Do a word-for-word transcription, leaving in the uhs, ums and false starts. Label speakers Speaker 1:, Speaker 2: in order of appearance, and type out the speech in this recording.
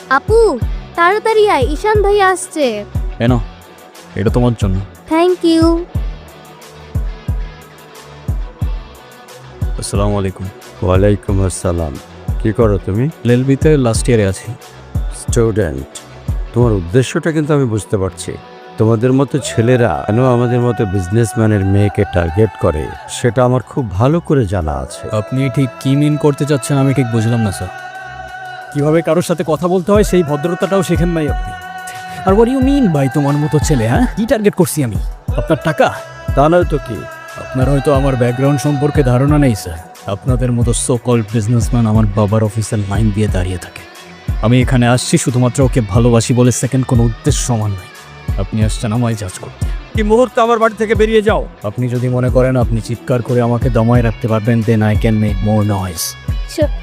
Speaker 1: আপু তাড়াতাড়ি আয়, ঈশান ভাই আসছে।
Speaker 2: এনো, এটা তোমার জন্য।
Speaker 1: Thank you.
Speaker 2: আসসালামু আলাইকুম।
Speaker 3: ওয়ালাইকুম আসসালাম। কি করো তুমি?
Speaker 2: এলএলবিতে লাস্ট ইয়ারে আছি।
Speaker 3: স্টুডেন্ট। তোমার উদ্দেশ্যটা কিন্তু আমি বুঝতে পারছি। তোমাদের মতো ছেলেরা কেন আমাদের মতো বিজনেসম্যানের মেয়েকে টার্গেট করে সেটা আমার খুব ভালো করে জানা আছে।
Speaker 2: আপনি ঠিক কি মিন করতে চাচ্ছেন আমি ঠিক বুঝলাম না স্যার। কিভাবে কারোর সাথে কথা বলতে হয় সেই ভদ্রতাটাও শেখেন নাই আপনি। আর হোয়াট ইউ মিন ভাই, তোমার মতো ছেলে? হ্যাঁ, কি টার্গেট করছি আমি? আপনার টাকা?
Speaker 3: তা নয় তো কি?
Speaker 2: আপনার হয়তো আমার ব্যাকগ্রাউন্ড সম্পর্কে ধারণা নেই স্যার। আপনাদের মতো সো কল্ড বিজনেসম্যান আমার বাবার অফিসের লাইন দিয়ে দাঁড়িয়ে থাকে। আমি এখানে আসছি শুধুমাত্র ওকে ভালোবাসি বলে, সেকেন্ড কোনো উদ্দেশ্য সমান নয়। আপনি আসছেন আমায় জাজ করতে।
Speaker 3: এই মুহূর্তে আমার বাড়ি থেকে বেরিয়ে যাও।
Speaker 2: আপনি যদি মনে করেন আপনি চিৎকার করে আমাকে দমায় রাখতে পারবেন, then I can make more noise.
Speaker 1: চ-